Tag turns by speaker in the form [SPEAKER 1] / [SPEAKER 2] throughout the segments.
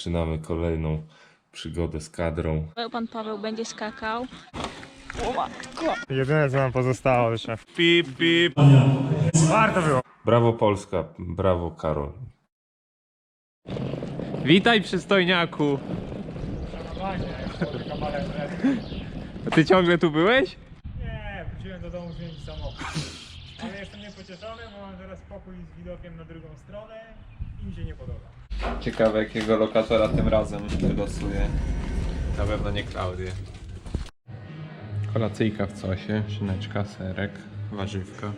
[SPEAKER 1] rozpoczynamy kolejną przygodę z kadrą.
[SPEAKER 2] Pan Paweł będzie skakał. O matko!
[SPEAKER 3] Jedyne co nam pozostało jeszcze. Pip, pip. Warto było.
[SPEAKER 1] Brawo Polska, brawo Karol.
[SPEAKER 4] Witaj, przystojniaku! A ty ciągle tu byłeś?
[SPEAKER 3] Nie, wróciłem do domu zmienić samochód. Ale jestem niepocieszony, bo mam teraz pokój z widokiem na drugą stronę i mi się nie podoba.
[SPEAKER 4] Ciekawe, jakiego lokatora tym razem wylosuje. Na pewno nie Klaudię. Kolacyjka w sosie, szyneczka, serek, warzywka.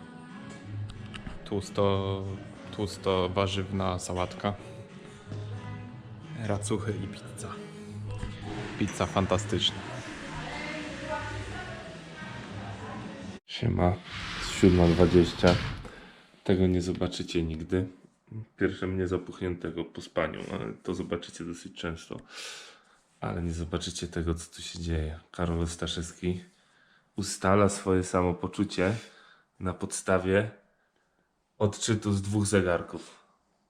[SPEAKER 4] Tłusto warzywna sałatka. Racuchy i pizza. Pizza fantastyczna.
[SPEAKER 1] Siema, 7:20. Tego nie zobaczycie nigdy. Pierwsze mnie zapuchniętego po spaniu, ale to zobaczycie dosyć często. Ale nie zobaczycie tego, co tu się dzieje. Karol Staszewski ustala swoje samopoczucie na podstawie odczytu z 2 zegarków.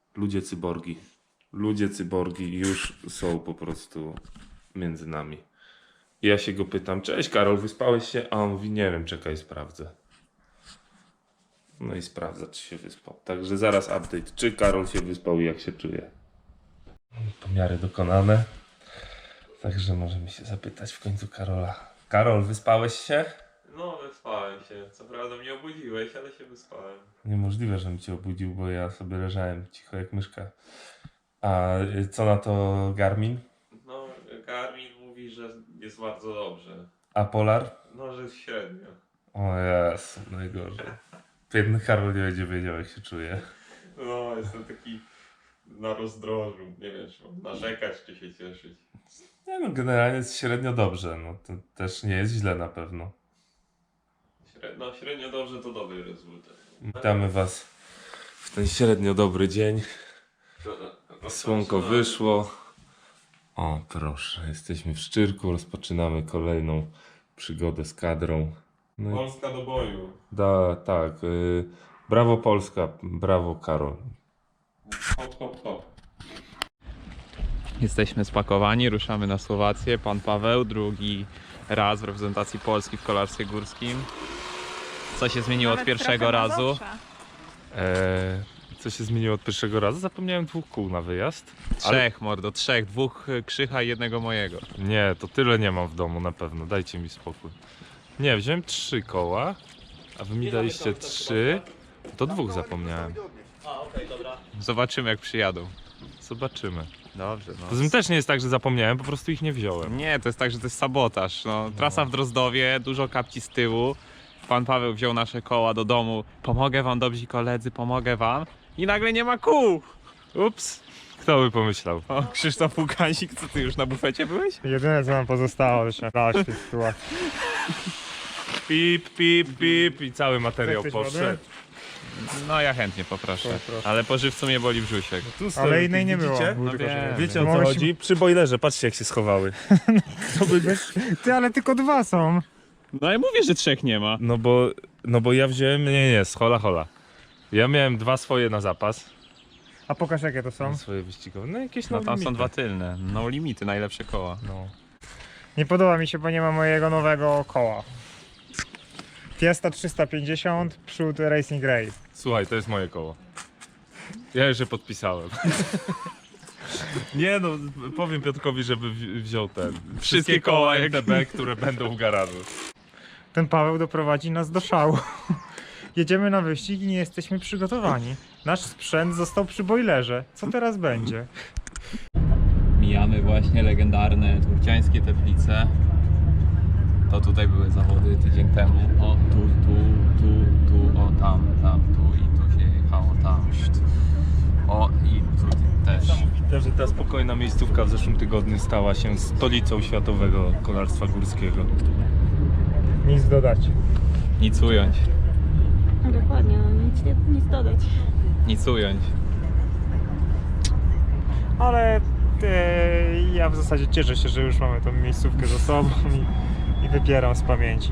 [SPEAKER 1] Ludzie cyborgi już są po prostu między nami. Ja się go pytam: cześć Karol, wyspałeś się? A on mówi: nie wiem, czekaj, sprawdzę. No i sprawdza, czy się wyspał. Także zaraz update, czy Karol się wyspał i jak się czuje. Pomiary dokonane. Także możemy się zapytać w końcu Karola. Karol, wyspałeś się?
[SPEAKER 4] No, wyspałem się. Co prawda mnie obudziłeś, ale się wyspałem.
[SPEAKER 1] Niemożliwe, żebym cię obudził, bo ja sobie leżałem cicho jak myszka. A co na to Garmin?
[SPEAKER 4] No, Garmin mówi, że jest bardzo dobrze.
[SPEAKER 1] A Polar?
[SPEAKER 4] No, że jest średnio.
[SPEAKER 1] O Jezu, najgorzej. Biedny Karol nie będzie wiedział, jak się czuje.
[SPEAKER 4] No, jestem taki na rozdrożu. Nie wiem, czy mam narzekać, czy się cieszyć.
[SPEAKER 1] Nie no, generalnie jest średnio dobrze. No to też nie jest źle na pewno.
[SPEAKER 4] No, średnio dobrze to dobry rezultat.
[SPEAKER 1] Witamy was w ten średnio dobry dzień. Słonko wyszło. O proszę, jesteśmy w Szczyrku, rozpoczynamy kolejną przygodę z kadrą. No i
[SPEAKER 4] Polska do boju.
[SPEAKER 1] tak, brawo Polska, brawo Karol.
[SPEAKER 4] Hop, hop, hop. Jesteśmy spakowani, ruszamy na Słowację. Pan Paweł, drugi raz w reprezentacji Polski w kolarstwie górskim. Co się zmieniło od pierwszego razu?
[SPEAKER 1] Co się zmieniło od pierwszego razu? Zapomniałem 2 kół na wyjazd.
[SPEAKER 4] Trzech, mordo, trzech. 2 Krzycha i 1 mojego.
[SPEAKER 1] Nie, to tyle nie mam w domu na pewno, dajcie mi spokój. Nie, wziąłem 3 koła, a wy mi daliście 3, to 2 zapomniałem.
[SPEAKER 4] Zobaczymy, jak przyjadą.
[SPEAKER 1] Zobaczymy.
[SPEAKER 4] Dobrze, no.
[SPEAKER 1] Poza tym też nie jest tak, że zapomniałem, po prostu ich nie wziąłem.
[SPEAKER 4] Nie, to jest tak, że to jest sabotaż. No, trasa w Drozdowie, dużo kapci z tyłu. Pan Paweł wziął nasze koła do domu. Pomogę wam, dobrzy koledzy, pomogę wam. I nagle nie ma kół. Ups.
[SPEAKER 1] Kto by pomyślał?
[SPEAKER 4] O, Krzysztof Łukansik, co ty już na bufecie byłeś?
[SPEAKER 3] Jedyne co nam pozostało jeszcze w tej sytuacji.
[SPEAKER 1] Pip, pip, pip i cały materiał
[SPEAKER 3] Chcesz
[SPEAKER 1] poszedł.
[SPEAKER 3] wody?
[SPEAKER 4] No ja chętnie poproszę.
[SPEAKER 3] Poproszę.
[SPEAKER 4] Ale po żywcu mnie boli brzuszek.
[SPEAKER 1] Tu
[SPEAKER 3] Ale innej nie było.
[SPEAKER 1] widzicie?
[SPEAKER 3] Był
[SPEAKER 4] No
[SPEAKER 3] tylko
[SPEAKER 4] wiem.
[SPEAKER 3] żywioł.
[SPEAKER 1] Wiecie o co
[SPEAKER 3] Mogłeś-
[SPEAKER 1] chodzi? Przy bojlerze, patrzcie jak się schowały.
[SPEAKER 3] Ty, ale tylko 2 są.
[SPEAKER 4] No ja mówię, że 3 nie ma.
[SPEAKER 1] No bo ja wziąłem, nie, hola. Ja miałem 2 swoje na zapas.
[SPEAKER 3] A pokaż jakie to są.
[SPEAKER 1] Swoje wyścigowe, no jakieś
[SPEAKER 4] No tam są
[SPEAKER 1] limity.
[SPEAKER 4] 2 tylne. No limity, najlepsze koła.
[SPEAKER 1] No.
[SPEAKER 3] Nie podoba mi się, bo nie ma mojego nowego koła. Fiesta 350, przód Racing Race.
[SPEAKER 1] Słuchaj, to jest moje koło. Ja już je podpisałem. Nie no, powiem Piotrkowi, żeby wziął ten. Wszystkie koła MTB, które będą w garażu.
[SPEAKER 3] Ten Paweł doprowadzi nas do szału. Jedziemy na wyścig i nie jesteśmy przygotowani. Nasz sprzęt został przy bojlerze. Co teraz będzie?
[SPEAKER 4] Mijamy właśnie legendarne turciańskie Teplice. To tutaj były zawody tydzień temu. O, tu, o, tam, tu i tu się jechało, tam. O, i tu też.
[SPEAKER 1] Niesamowite, że ta spokojna miejscówka w zeszłym tygodniu stała się stolicą światowego kolarstwa górskiego.
[SPEAKER 3] Nic dodać.
[SPEAKER 4] Nic ująć,
[SPEAKER 2] No dokładnie, no nic dodać.
[SPEAKER 4] nic ująć.
[SPEAKER 3] Ale ja w zasadzie cieszę się, że już mamy tą miejscówkę za sobą i wypieram z pamięci.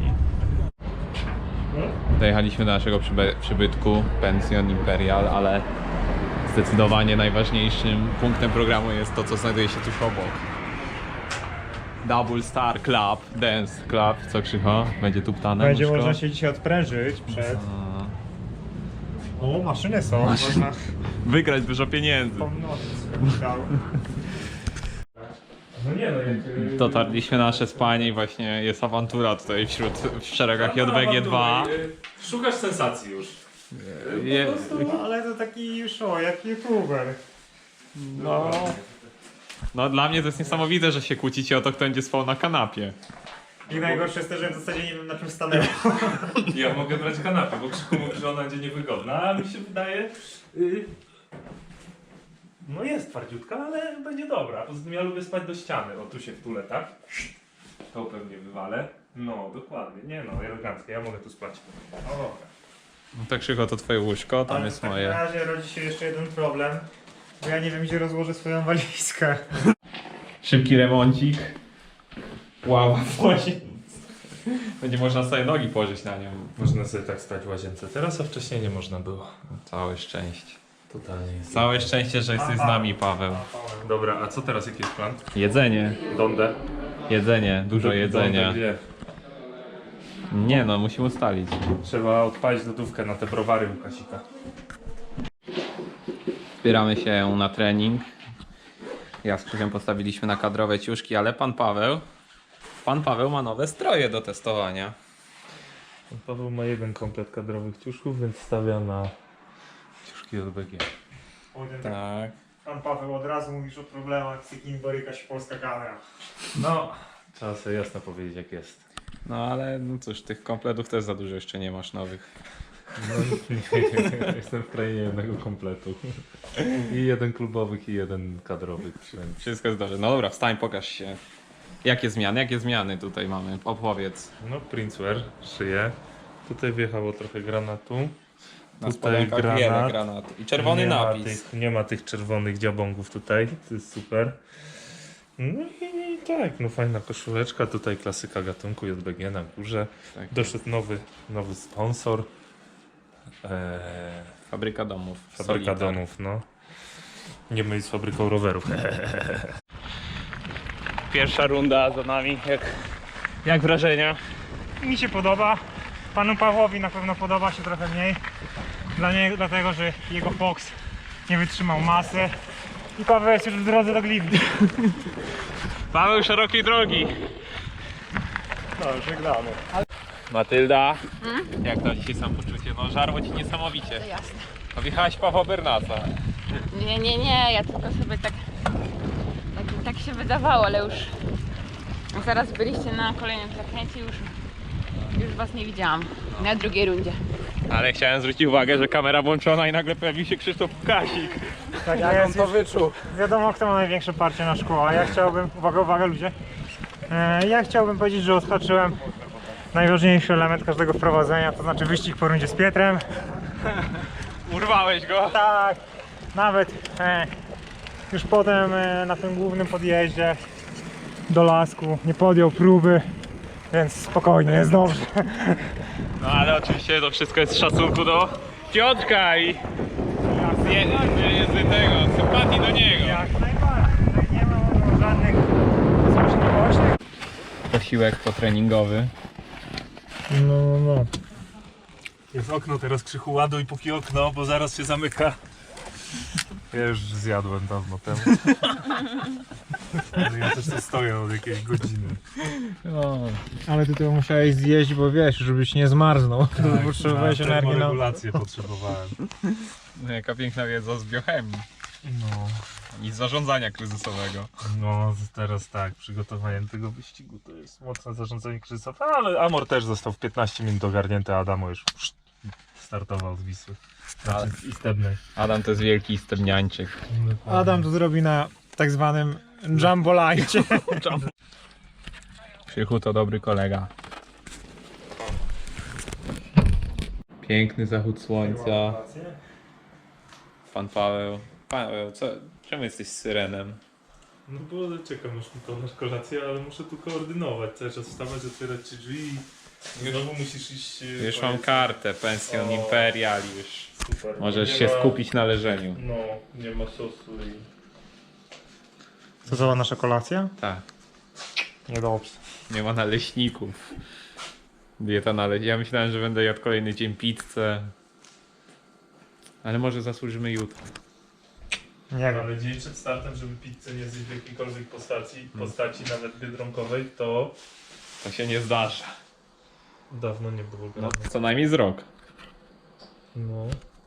[SPEAKER 4] Dojechaliśmy do naszego przybytku, Pension Imperial, ale Zdecydowanie najważniejszym punktem programu jest to, co znajduje się tuż obok. Double Star Club, Dance Club, co Krzycho? Będzie tu ptane
[SPEAKER 3] Będzie
[SPEAKER 4] łóżko?
[SPEAKER 3] można się dzisiaj odprężyć przed... O, maszyny są. Można
[SPEAKER 4] Wygrać dużo pieniędzy.
[SPEAKER 3] pomnożyć. No nie no, jak...
[SPEAKER 4] Dotarliśmy na nasze spanie i właśnie jest awantura tutaj w szeregach JBG2.
[SPEAKER 1] Szukasz sensacji już.
[SPEAKER 3] Ale to taki już jak youtuber.
[SPEAKER 4] No dla mnie to jest niesamowite, że się kłócicie o to, kto będzie spał na kanapie.
[SPEAKER 3] I najgorsze jest to, że w zasadzie nie wiem na czym stanęło.
[SPEAKER 1] Ja mogę brać kanapę, bo Krzyku mówi, że ona będzie niewygodna, a mi się wydaje... No jest twardziutka, ale będzie dobra. Poza tym ja lubię spać do ściany. O, tu się wtulę, tak? To pewnie wywalę. No, dokładnie. Nie no, elegancko. Ja mogę tu spać. No dobra.
[SPEAKER 4] No to Krzycho, to twoje łóżko, tam
[SPEAKER 3] Ale
[SPEAKER 4] jest
[SPEAKER 3] w takim
[SPEAKER 4] moje.
[SPEAKER 3] razie rodzi się jeszcze jeden problem, bo ja nie wiem, gdzie rozłożę swoją walizkę.
[SPEAKER 4] Szybki remoncik. Ława w łazience. Będzie można sobie nogi położyć na nią.
[SPEAKER 1] Można sobie tak stać w łazience teraz, a wcześniej nie można było.
[SPEAKER 4] Całe szczęście.
[SPEAKER 1] Totalnie jest.
[SPEAKER 4] Całe szczęście, że jesteś z nami, Paweł.
[SPEAKER 1] Dobra, a co teraz? Jaki jest plan?
[SPEAKER 4] Jedzenie.
[SPEAKER 1] Donde?
[SPEAKER 4] Jedzenie, dużo jedzenia.
[SPEAKER 1] Donde gdzie?
[SPEAKER 4] Nie no, musimy ustalić.
[SPEAKER 1] Trzeba odpalić lodówkę na te browary u Kasika.
[SPEAKER 4] Zbieramy się na trening. Ja z Krzychem postawiliśmy na kadrowe ciuszki, ale pan Paweł ma nowe stroje do testowania.
[SPEAKER 1] Paweł ma jeden komplet kadrowych ciuszków, więc stawia na ciuszki JBG.
[SPEAKER 4] Tak.
[SPEAKER 3] Pan Paweł, od razu mówisz o problemach, z jakimi boryka się polska kamera.
[SPEAKER 1] No, trzeba sobie jasno powiedzieć jak jest.
[SPEAKER 4] No ale no cóż, tych kompletów też za dużo jeszcze nie masz nowych.
[SPEAKER 1] No, nie, jestem w krainie jednego kompletu. I jeden klubowych, i jeden kadrowych. Więc...
[SPEAKER 4] Wszystko jest dobrze. No dobra, wstań, pokaż się. Jakie zmiany tutaj mamy? Opowiedz.
[SPEAKER 1] No, Princewear, szyję. Tutaj wjechało trochę granatu.
[SPEAKER 4] Na
[SPEAKER 1] Tutaj
[SPEAKER 4] spodenkach
[SPEAKER 1] granat.
[SPEAKER 4] wiele granatu. I czerwony
[SPEAKER 1] nie
[SPEAKER 4] napis.
[SPEAKER 1] Nie ma tych czerwonych dziabongów tutaj, to jest super. No i tak, no fajna koszuleczka, tutaj klasyka gatunku JBG na górze.
[SPEAKER 4] Tak.
[SPEAKER 1] Doszedł nowy sponsor.
[SPEAKER 4] Fabryka domów.
[SPEAKER 1] Fabryka
[SPEAKER 4] Solitar.
[SPEAKER 1] domów, no. Nie myli z fabryką rowerów.
[SPEAKER 4] Pierwsza runda za nami. Jak wrażenia?
[SPEAKER 3] Mi się podoba, panu Pawłowi na pewno podoba się trochę mniej. Dlatego, że jego Fox nie wytrzymał masy. I Paweł jest już w drodze do Gliwii.
[SPEAKER 4] Paweł szerokiej drogi.
[SPEAKER 3] No, żegnamy.
[SPEAKER 4] Matylda, jak to dzisiaj samopoczucie? No żarło ci niesamowicie.
[SPEAKER 2] Jasne.
[SPEAKER 4] Wjechałaś Pawła Bernasa.
[SPEAKER 2] Nie, ja tylko sobie tak się wydawało, ale już zaraz byliście na kolejnym zakręcie, już was nie widziałam na drugiej rundzie.
[SPEAKER 4] Ale chciałem zwrócić uwagę, że kamera włączona i nagle pojawił się Krzysztof Kasik.
[SPEAKER 3] Tak,
[SPEAKER 4] Jak on to wyczuł?
[SPEAKER 3] Wiadomo, kto ma największe parcie na szkło, a ja chciałbym, uwaga ludzie, ja chciałbym powiedzieć, że odhaczyłem najważniejszy element każdego wprowadzenia, to znaczy wyścig po rundzie z Pietrem.
[SPEAKER 4] Urwałeś go?
[SPEAKER 3] Tak, nawet już potem na tym głównym podjeździe do lasku nie podjął próby, więc spokojnie, jest dobrze.
[SPEAKER 4] No ale oczywiście to wszystko jest z szacunku do Piotrka i z tego, sympatii do niego.
[SPEAKER 3] Jak najbardziej, tutaj nie ma żadnych złośliwości.
[SPEAKER 4] Posiłek potreningowy.
[SPEAKER 3] No.
[SPEAKER 1] Jest okno, teraz Krzychu ładuj póki okno, bo zaraz się zamyka. Ja już zjadłem dawno temu. Ale ja też tu stoję od jakiejś godziny.
[SPEAKER 3] Ale ty to musiałeś zjeść, bo wiesz, żebyś nie zmarznął. Potrzebowałeś energii na...
[SPEAKER 1] Termoregulację potrzebowałem.
[SPEAKER 4] No, jaka piękna wiedza z biochemii
[SPEAKER 1] No,
[SPEAKER 4] i z zarządzania kryzysowego.
[SPEAKER 1] no teraz tak, przygotowaniem tego wyścigu to jest mocne zarządzanie kryzysowe, ale Amor też został w 15 minut ogarnięty, a Adamo już startował z Wisły. Znaczy z Istebnej.
[SPEAKER 4] Adam to jest wielki stebniańczyk.
[SPEAKER 3] Adam to zrobi na tak zwanym jumbolajcie.
[SPEAKER 4] Krzychu to dobry kolega. Piękny zachód słońca. Pan Paweł. Paweł, czemu jesteś syrenem?
[SPEAKER 1] No bo czekam już to masz kolację, ale muszę tu koordynować, cały czas wstawać, otwierać ci drzwi i znowu musisz iść...
[SPEAKER 4] Już mam kartę, pensjon imperial już.
[SPEAKER 1] super.
[SPEAKER 4] Możesz
[SPEAKER 1] Nie
[SPEAKER 4] się
[SPEAKER 1] ma-
[SPEAKER 4] skupić na leżeniu.
[SPEAKER 1] No, nie ma sosu i...
[SPEAKER 3] Co za nasza kolacja?
[SPEAKER 4] Tak.
[SPEAKER 3] Niedobrze.
[SPEAKER 4] Nie ma naleśników. Dieta Ja myślałem, że będę jadł kolejny dzień pizzę. Ale może zasłużymy jutro.
[SPEAKER 3] Nie wiem.
[SPEAKER 1] Ale dzień przed startem, żeby pizzę nie zjeść w jakiejkolwiek postaci nawet biedronkowej, to
[SPEAKER 4] To się nie zdarza.
[SPEAKER 1] dawno nie było
[SPEAKER 4] No,
[SPEAKER 1] grane.
[SPEAKER 4] co najmniej z rok.
[SPEAKER 1] No.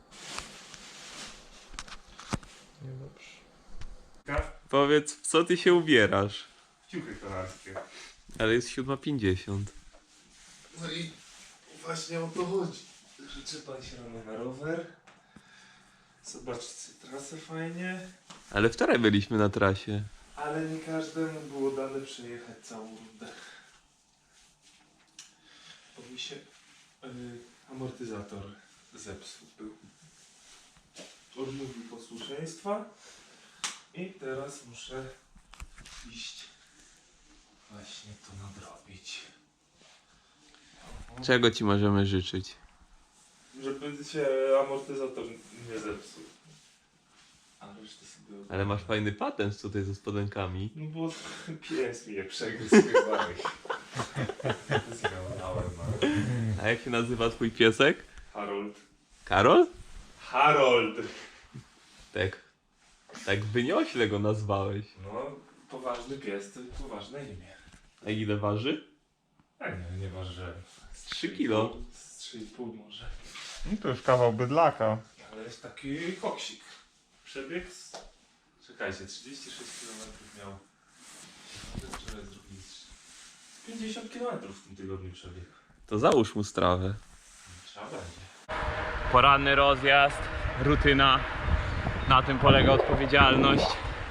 [SPEAKER 1] Niedobrze.
[SPEAKER 4] Powiedz, w co ty się ubierasz?
[SPEAKER 1] Ciuchy kolarskie.
[SPEAKER 4] Ale jest 7:50.
[SPEAKER 1] No i właśnie o to chodzi, że czyta się rano na rower. Zobaczcie trasę fajnie.
[SPEAKER 4] Ale wczoraj byliśmy na trasie.
[SPEAKER 1] Ale nie każdemu było dane przejechać całą rundę. Bo mi się amortyzator zepsuł był. Odmówił posłuszeństwa i teraz muszę iść właśnie to nadrobić.
[SPEAKER 4] Czego ci możemy życzyć?
[SPEAKER 1] Żeby się amortyzator nie zepsuł. A resztę sobie...
[SPEAKER 4] Ale masz fajny patent tutaj ze spodenkami.
[SPEAKER 1] No bo pies mnie przegryzł chyba. Zjadałem, ale...
[SPEAKER 4] A jak się nazywa twój piesek?
[SPEAKER 1] Harold.
[SPEAKER 4] Karol?
[SPEAKER 1] Harold!
[SPEAKER 4] Tak wyniośle go nazwałeś.
[SPEAKER 1] No, poważny pies to poważne imię.
[SPEAKER 4] A ile waży?
[SPEAKER 1] A nie ważyłem.
[SPEAKER 4] Z 3 kilo.
[SPEAKER 1] Z 3,5 może.
[SPEAKER 3] No to już kawał bydlaka.
[SPEAKER 1] Ale jest taki koksik. Przebieg z... Czekajcie, 36 km miał. Wczoraj zrobili 50 km w tym tygodniu przebieg.
[SPEAKER 4] To załóż mu strawę.
[SPEAKER 1] Trzeba będzie.
[SPEAKER 4] Poranny rozjazd, rutyna. Na tym polega odpowiedzialność.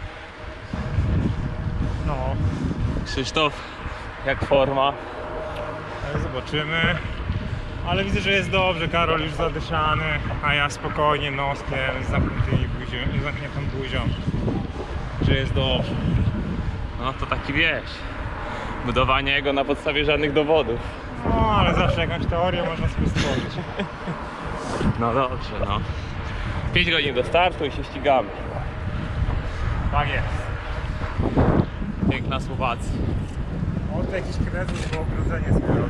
[SPEAKER 3] No,
[SPEAKER 4] Krzysztof, jak forma?
[SPEAKER 3] ale zobaczymy. Ale widzę, że jest dobrze. Karol już zadyszany, a ja spokojnie noskiem z zamkniętą buzią. Że jest dobrze.
[SPEAKER 4] No to taki wiesz. Budowanie jego na podstawie żadnych dowodów.
[SPEAKER 3] No, ale zawsze jakąś teorię można sobie stworzyć.
[SPEAKER 4] No dobrze, no. 5 godzin do startu i się ścigamy.
[SPEAKER 3] Tak jest.
[SPEAKER 4] Piękna Słowacja.
[SPEAKER 3] Od jakiś kredyt, bo ogrodzenie zbiorą.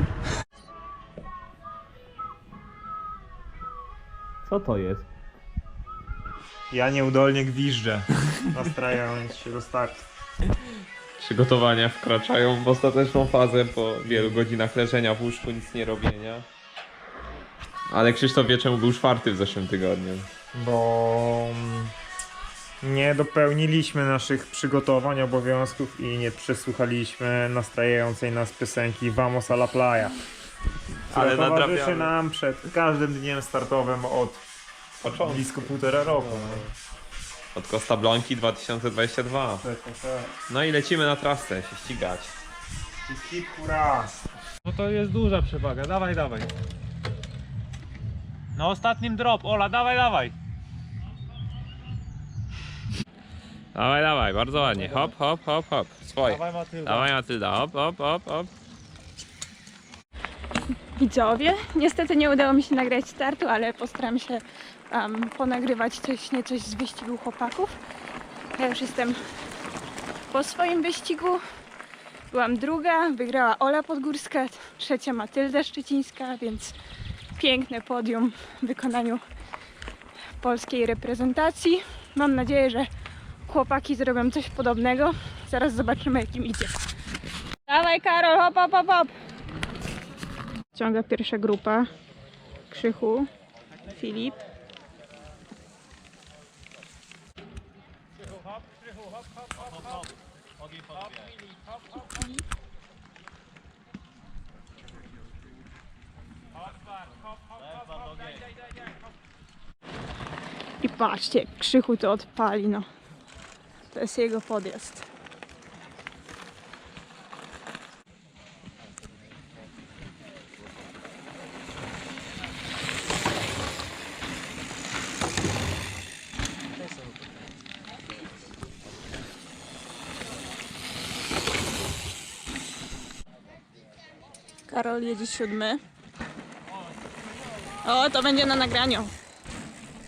[SPEAKER 4] Co to jest?
[SPEAKER 3] Ja nieudolnie gwiżdżę, nastrajając się do startu.
[SPEAKER 4] Przygotowania wkraczają w ostateczną fazę po wielu godzinach leżenia w łóżku, nic nie robienia. Ale Krzysztof wie, czemu był 4 w zeszłym tygodniu.
[SPEAKER 3] Bo nie dopełniliśmy naszych przygotowań, obowiązków i nie przesłuchaliśmy nastrajającej nas piosenki Vamos a la playa.
[SPEAKER 4] Ale
[SPEAKER 3] Ale towarzyszy
[SPEAKER 4] nadrabiamy.
[SPEAKER 3] nam przed każdym dniem startowym od
[SPEAKER 4] Początku.
[SPEAKER 3] blisko 1,5 roku.
[SPEAKER 4] Od Costa Blanki 2022. No i lecimy na trasę się ścigać.
[SPEAKER 3] Hip hurra!
[SPEAKER 4] No to jest duża przewaga, dawaj, dawaj. Na ostatnim drop, Ola, dawaj, dawaj. Dawaj, dawaj, bardzo ładnie. Hop, hop, hop, hop. Swoje.
[SPEAKER 3] Dawaj, Matylda.
[SPEAKER 4] Dawaj, Matylda, hop, hop, hop, hop.
[SPEAKER 5] Widzowie, niestety nie udało mi się nagrać startu, ale postaram się ponagrywać coś z wyścigu chłopaków. Ja już jestem po swoim wyścigu. Byłam druga, wygrała Ola Podgórska, trzecia Matylda Szczecińska, więc piękne podium w wykonaniu polskiej reprezentacji. Mam nadzieję, że chłopaki zrobią coś podobnego. Zaraz zobaczymy, jak im idzie. Dawaj Karol, hop, hop, hop, hop! Ciąga pierwsza grupa. Krzychu, Filip. I patrzcie, jak Krzychu to odpali, no. To jest jego podjazd. Karol jedzie 7. O, to będzie na nagraniu.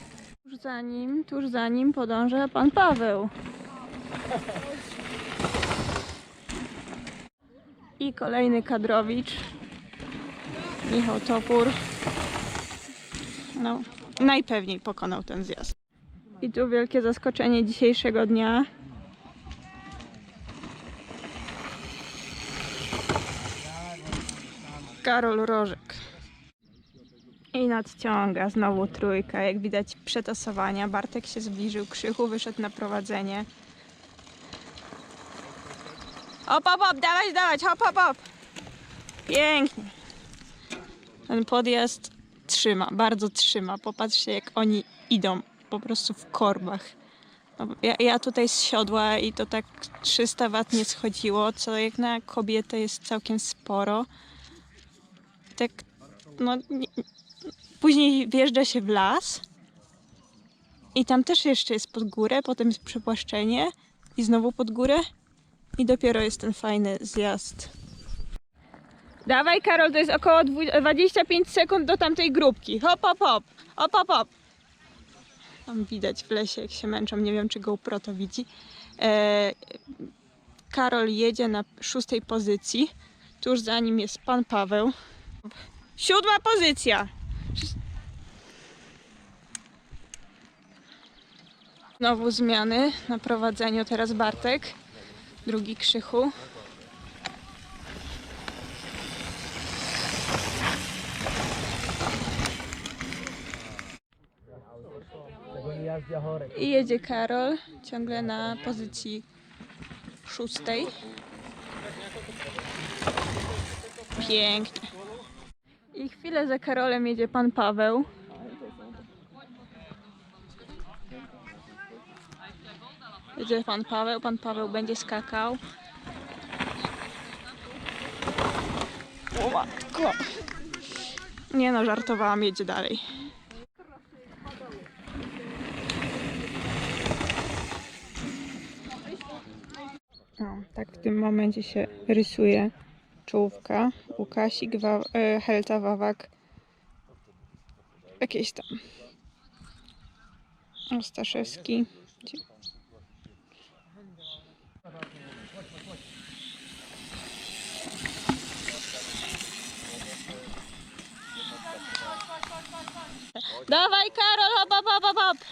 [SPEAKER 5] tuż za nim podąża pan Paweł. I kolejny kadrowicz. Michał Topór. No, najpewniej pokonał ten zjazd. I tu wielkie zaskoczenie dzisiejszego dnia. Karol Rożek. I nadciąga znowu trójka. Jak widać przetasowania. Bartek się zbliżył, Krzychu wyszedł na prowadzenie. Hop, hop, hop, dawać, hop, hop, hop. Pięknie. Ten podjazd trzyma, bardzo trzyma. Popatrzcie, jak oni idą po prostu w korbach. No, ja tutaj z siodła i to tak 300 W nie schodziło, co jak na kobietę jest całkiem sporo. Tak, no, później wjeżdża się w las i tam też jeszcze jest pod górę, potem jest przepłaszczenie i znowu pod górę i dopiero jest ten fajny zjazd. Dawaj Karol, to jest około 25 sekund do tamtej grupki. Hop, hop, hop, hop, hop, hop. Tam widać w lesie, jak się męczą, nie wiem czy GoPro to widzi. Karol jedzie na 6. pozycji, tuż za nim jest pan Paweł. 7. pozycja. Znowu zmiany na prowadzeniu, teraz Bartek, drugi Krzychu. I jedzie Karol, ciągle na pozycji 6. Pięknie. I chwilę za Karolem jedzie pan Paweł. Jedzie pan Paweł będzie skakał. O matko. Nie no, żartowałam, jedzie dalej. O, tak w tym momencie się rysuje czołówka. Łukasik, Helta, Wawak. Jakieś tam. Ostaszewski. Dawaj Karol, hop, hop, hop, hop, hop.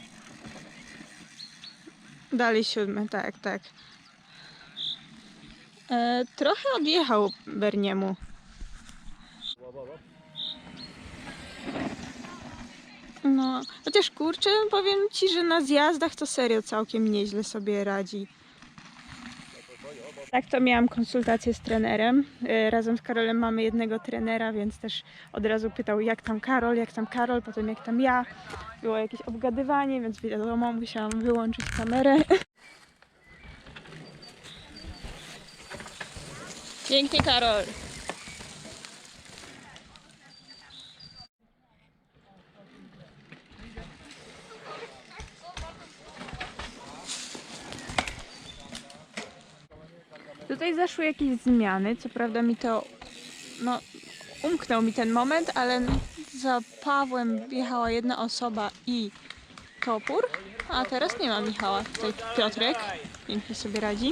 [SPEAKER 5] Dalej 7, tak, tak. Trochę odjechał Berniemu. No, chociaż kurczę, powiem ci, że na zjazdach to serio całkiem nieźle sobie radzi. Tak to miałam konsultację z trenerem. Razem z Karolem mamy jednego trenera, więc też od razu pytał jak tam Karol, potem jak tam ja. Było jakieś obgadywanie, więc wiadomo, musiałam wyłączyć kamerę. Pięknie Karol. Tutaj zaszły jakieś zmiany, co prawda mi to, no, umknął mi ten moment, ale za Pawłem wjechała jedna osoba i Topór, a teraz nie ma Michała. Tutaj Piotrek, pięknie sobie radzi.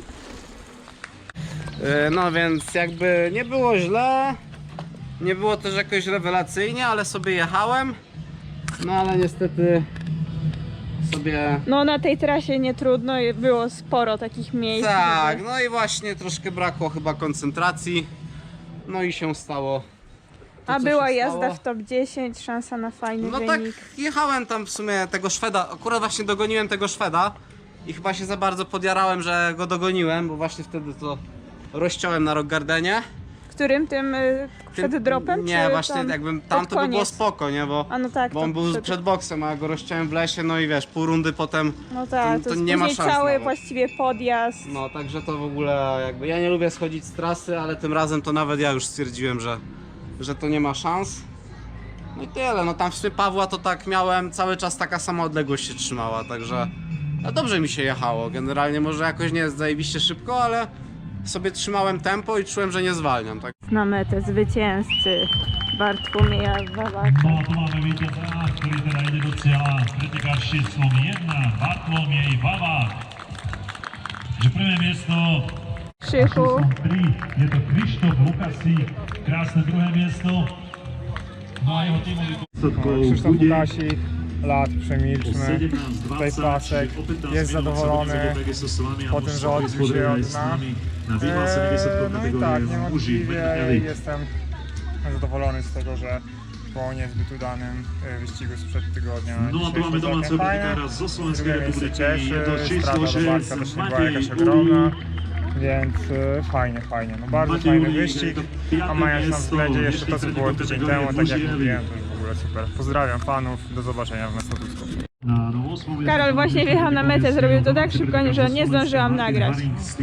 [SPEAKER 6] No więc jakby nie było źle, nie było też jakoś rewelacyjnie, ale sobie jechałem, no ale niestety sobie...
[SPEAKER 5] No na tej trasie nie trudno, było sporo takich miejsc.
[SPEAKER 6] Tak,
[SPEAKER 5] żeby-
[SPEAKER 6] no i właśnie troszkę brakło chyba koncentracji, no i się stało. To,
[SPEAKER 5] A
[SPEAKER 6] co
[SPEAKER 5] była
[SPEAKER 6] się
[SPEAKER 5] jazda
[SPEAKER 6] stało.
[SPEAKER 5] w top 10, szansa na fajny
[SPEAKER 6] No tak,
[SPEAKER 5] wynik.
[SPEAKER 6] jechałem tam w sumie tego Szweda, akurat właśnie dogoniłem tego Szweda i chyba się za bardzo podjarałem, że go dogoniłem, bo właśnie wtedy to rozciąłem na Rock Gardenie.
[SPEAKER 5] Którym tym przed dropem?
[SPEAKER 6] Nie,
[SPEAKER 5] czy
[SPEAKER 6] właśnie
[SPEAKER 5] tam
[SPEAKER 6] jakbym
[SPEAKER 5] pod
[SPEAKER 6] tam to by było
[SPEAKER 5] koniec?
[SPEAKER 6] spoko, nie, bo,
[SPEAKER 5] A no tak,
[SPEAKER 6] bo
[SPEAKER 5] to
[SPEAKER 6] on był przed boksem, a ja go rozciąłem w lesie, no i wiesz, pół rundy potem,
[SPEAKER 5] No tak,
[SPEAKER 6] to
[SPEAKER 5] to, jest
[SPEAKER 6] nie ma
[SPEAKER 5] później
[SPEAKER 6] szans
[SPEAKER 5] cały
[SPEAKER 6] nawet.
[SPEAKER 5] właściwie podjazd.
[SPEAKER 6] no także to w ogóle jakby, ja nie lubię schodzić z trasy, ale tym razem to nawet ja już stwierdziłem, że to nie ma szans. No i tyle, no tam w sumie Pawła to tak miałem, cały czas taka sama odległość się trzymała, także no dobrze mi się jechało, generalnie może jakoś nie jest zajebiście szybko, ale sobie trzymałem tempo i czułem, że nie zwalniam, tak.
[SPEAKER 5] Na metę zwycięzcy. Bartłomieja Wawaka.
[SPEAKER 7] No a tu máme vítěze, ktorý teda ide do cieľa, pretekáč s číslom 1, Bartlomiej Vavák. Že prvé miesto
[SPEAKER 5] Krzychu.
[SPEAKER 7] číslom 3 je to Krištof Lukasík, krásne druhé miesto. No a jeho tímový
[SPEAKER 3] Krzysztof Łukasik, lat przemilczmy, tutaj pasek, jest zadowolony po tym, że odbił się od dna. No i tak, niewątpliwie jestem zadowolony z tego, że po niezbyt udanym wyścigu sprzed tygodnia
[SPEAKER 7] No a tu máme domáceho pretekára zo Slovenskej republiky, je to číslo 6,
[SPEAKER 3] była jakaś ogromna, więc fajnie, no bardzo fajny wyścig, a mając na względzie jeszcze to, co było tydzień temu, tak jak mówiłem, to już w ogóle super. Pozdrawiam fanów, do zobaczenia w Nastodusku.
[SPEAKER 5] Karol właśnie wjechał na metę, zrobił to tak szybko, że nie zdążyłam nagrać.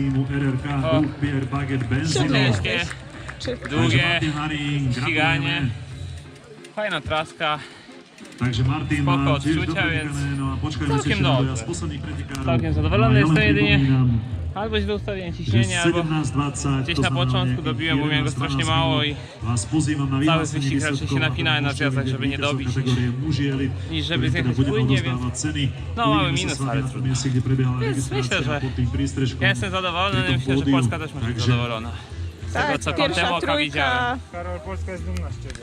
[SPEAKER 4] Ciężkie,
[SPEAKER 5] Czy
[SPEAKER 4] długie ściganie, fajna traska,
[SPEAKER 7] Takže Martin
[SPEAKER 4] spoko
[SPEAKER 7] má tiež
[SPEAKER 4] odczucia,
[SPEAKER 7] dobre
[SPEAKER 4] więc
[SPEAKER 7] vybrané, no a počkajme
[SPEAKER 4] całkiem
[SPEAKER 7] si ešte na
[SPEAKER 4] dobrze.
[SPEAKER 7] dojazd posledných pretekárov.
[SPEAKER 4] Całkiem zadowolony
[SPEAKER 7] Ja
[SPEAKER 4] jestem
[SPEAKER 7] len
[SPEAKER 4] jedynie.
[SPEAKER 7] pripomínam,
[SPEAKER 4] Albo źle ustawiłem
[SPEAKER 7] že
[SPEAKER 4] ciśnienie, albo
[SPEAKER 7] 17:20,
[SPEAKER 4] gdzieś
[SPEAKER 7] to
[SPEAKER 4] na
[SPEAKER 7] znamená
[SPEAKER 4] początku
[SPEAKER 7] nejakých
[SPEAKER 4] dobiłem, bo miałem go
[SPEAKER 7] 11-12
[SPEAKER 4] strasznie mało i
[SPEAKER 7] minút. Vás pozývam na
[SPEAKER 4] cały
[SPEAKER 7] vyhlásenie
[SPEAKER 4] wyścig raczej
[SPEAKER 7] výsledkov
[SPEAKER 4] się napinałem na
[SPEAKER 7] a
[SPEAKER 4] zjazdach,
[SPEAKER 7] môžete
[SPEAKER 4] żeby nie
[SPEAKER 7] vidieť víťazov
[SPEAKER 4] dobić,
[SPEAKER 7] kategórie muži elit,
[SPEAKER 4] niż żeby
[SPEAKER 7] ktorým
[SPEAKER 4] zjechać
[SPEAKER 7] teda budeme
[SPEAKER 4] płynnie,
[SPEAKER 7] rozdávať
[SPEAKER 4] więc
[SPEAKER 7] ceny.
[SPEAKER 4] no, mały
[SPEAKER 7] Uvidíme sa
[SPEAKER 4] minus,
[SPEAKER 7] s vami
[SPEAKER 4] ale
[SPEAKER 7] na tom
[SPEAKER 4] trudno.
[SPEAKER 7] mieste, kde prebiehala
[SPEAKER 4] Więc
[SPEAKER 7] registrácia
[SPEAKER 4] myślę, że
[SPEAKER 7] pod tým prístrežkom.
[SPEAKER 4] ja jestem zadowolony,
[SPEAKER 7] pri tom
[SPEAKER 4] myślę, że
[SPEAKER 7] pódiu.
[SPEAKER 4] Polska też może być
[SPEAKER 7] Takže
[SPEAKER 4] zadowolona. Z tego co
[SPEAKER 5] tak, pierwsza
[SPEAKER 4] kątem oka widziałem.
[SPEAKER 5] trójka.
[SPEAKER 3] Karol, Polska jest dumna z Ciebie.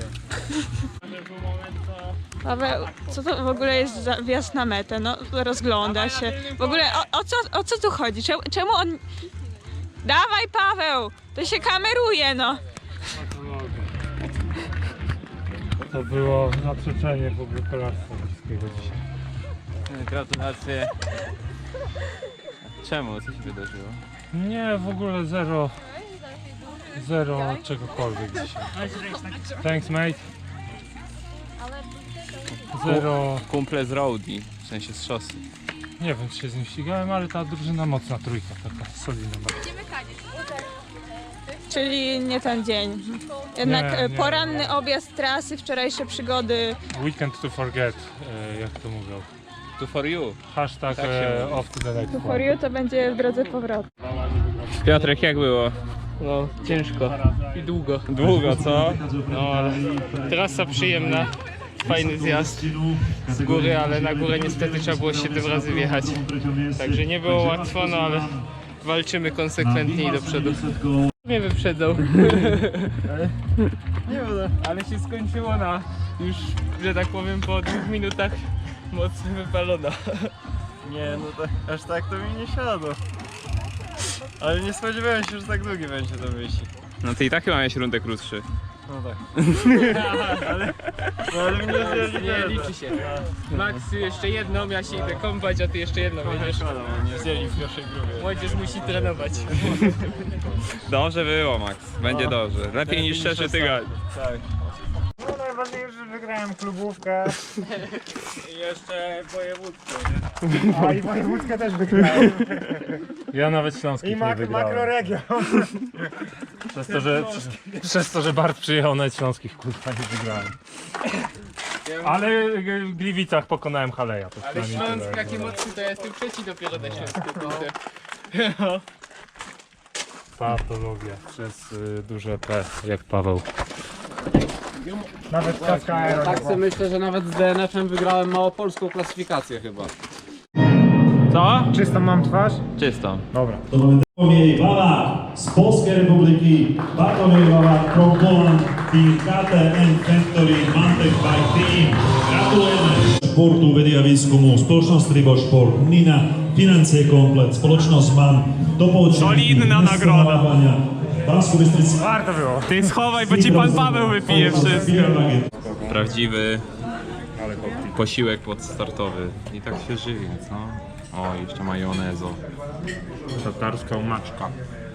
[SPEAKER 5] Paweł, co to w ogóle jest za wjazd na metę? No, rozgląda się. W ogóle o co tu chodzi? Czemu on... Dawaj, Paweł! To się kameruje, no!
[SPEAKER 3] To było zaprzeczenie w ogóle kolarstwa wszystkiego dzisiaj.
[SPEAKER 4] Gratulacje. Czemu? Co się wydarzyło?
[SPEAKER 3] Nie, w ogóle zero czegokolwiek dzisiaj. Thanks mate. Zero,
[SPEAKER 4] Kumple z roadie, w sensie z szosy.
[SPEAKER 3] nie wiem czy się z nim ścigałem, ale ta drużyna mocna trójka, taka solidna bardzo.
[SPEAKER 5] Czyli nie ten dzień. Jednak
[SPEAKER 3] Nie.
[SPEAKER 5] poranny objazd trasy, wczorajsze przygody.
[SPEAKER 3] Weekend to forget, jak to mówią.
[SPEAKER 4] To for you.
[SPEAKER 3] Hashtag
[SPEAKER 4] Tak się mówi.
[SPEAKER 3] off to the next
[SPEAKER 5] For
[SPEAKER 3] one.
[SPEAKER 5] you to będzie w drodze powrotu.
[SPEAKER 4] Piotrek, jak było?
[SPEAKER 8] No, ciężko i długo.
[SPEAKER 4] Długo, co?
[SPEAKER 8] No, ale trasa przyjemna, fajny zjazd z góry, ale na górę niestety trzeba było 7 razy wjechać. Także nie było łatwo, no ale walczymy konsekwentnie i do przodu. Mnie wyprzedzał. Nie wiem, ale się skończyło na już, że tak powiem, po 2 minutach mocno wypalona.
[SPEAKER 9] Nie, no tak, aż tak to mi nie siadło. Ale nie spodziewałem się, że tak długi będzie to wyścig.
[SPEAKER 4] No ty i tak chyba miałeś rundę krótszy.
[SPEAKER 9] No tak. No ale mnie
[SPEAKER 8] Nie liczy się. Max jeszcze jedną, ja się idę kąpać, a ty jeszcze jedną będziesz.
[SPEAKER 9] nie wzięli w pierwszej grupie.
[SPEAKER 8] Młodzież musi trenować.
[SPEAKER 4] Dobrze było, Max. Będzie dobrze. Lepiej niż 3 tygodnie.
[SPEAKER 9] Tak.
[SPEAKER 3] No najważniejsze, że wygrałem klubówkę.
[SPEAKER 9] I jeszcze województwo.
[SPEAKER 3] A i wojewódzkę też wygrałem. Ja nawet Śląskich nie wygrałem. Makroregion. Przez to, że Bart przyjechał nawet Śląskich, kurwa, nie wygrałem. Ale w Gliwicach pokonałem Haleja. To
[SPEAKER 8] Ale
[SPEAKER 3] przynajmniej
[SPEAKER 8] Śląsk
[SPEAKER 3] tyle.
[SPEAKER 8] jaki mocny, to ja jestem trzeci dopiero na Śląsku. kurde.
[SPEAKER 3] Patologia przez duże P, jak Paweł. Nawet kaska aero.
[SPEAKER 6] Tak sobie myślę, że nawet z DNF-em wygrałem małopolską klasyfikację chyba.
[SPEAKER 4] Co?
[SPEAKER 3] Czystą mam twarz?
[SPEAKER 4] Czysto.
[SPEAKER 3] Dobra.
[SPEAKER 7] To máme Bartłomiej Vavák z Polskej republiky, Bartłomiej Vavák from Poland, tým KTM Factory Mantec Bike Team. Gratulujeme. Športu, vedy a výskumu, spoločnosť Tribosport, Nina, financie komplet, spoločnosť MAN,
[SPEAKER 4] Solidna nagroda.
[SPEAKER 7] Bansko Bystrica.
[SPEAKER 3] Warto było.
[SPEAKER 4] Ty schowaj, bo ci pan Paweł wypije wszystko. Prawdziwy posiłek podstartowy. I tak się żywi, co? O, jeszcze majonezo.
[SPEAKER 3] Tatarska maczka.